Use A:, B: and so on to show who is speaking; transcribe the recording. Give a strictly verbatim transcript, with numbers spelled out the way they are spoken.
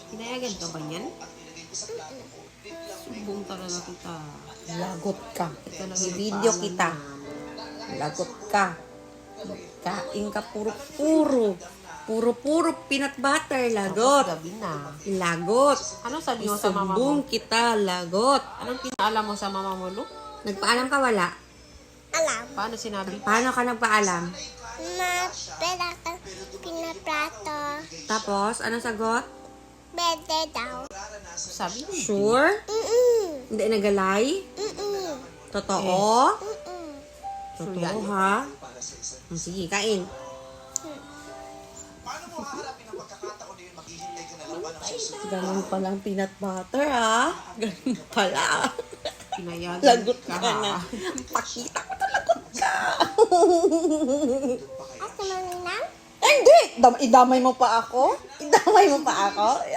A: Pinayagan ka ba niyan? Sumbong talaga kita.
B: Lagot ka.
A: Ito lang
B: I-video
A: yung
B: kita.
A: paalam
B: Lagot ka. Kain ka puro-puro. Puro-puro peanut butter.
A: na.
B: Lagot.
A: Tapos gabi na.
B: Lagot.
A: Anong sabi mo sa mama mo?
B: Isumbong kita. Lagot.
A: Anong pinaalam mo sa mama mo, Lu?
B: Nagpaalam ka wala?
C: Alam.
A: Paano sinabi?
B: Paano ka nagpaalam?
C: Ma, pera ka pinaplato.
B: Tapos, anong sagot?
C: Bede daw.
A: Sabi mo.
B: Sure?
C: Mm-mm.
B: Hindi nagalay?
C: Mm-mm.
B: Totoo?
C: Mm-mm.
A: Sure
B: Totoo
A: yan.
B: ha? Sige, kain. Ganun palang peanut butter ha? Ganun pala.
A: Pinayagan
B: Lagot
A: ka.
B: ka na. Pakita ko na lagot ka.
C: At naman lang?
B: Hindi! Dam- idamay mo pa ako? Idamay mo pa ako?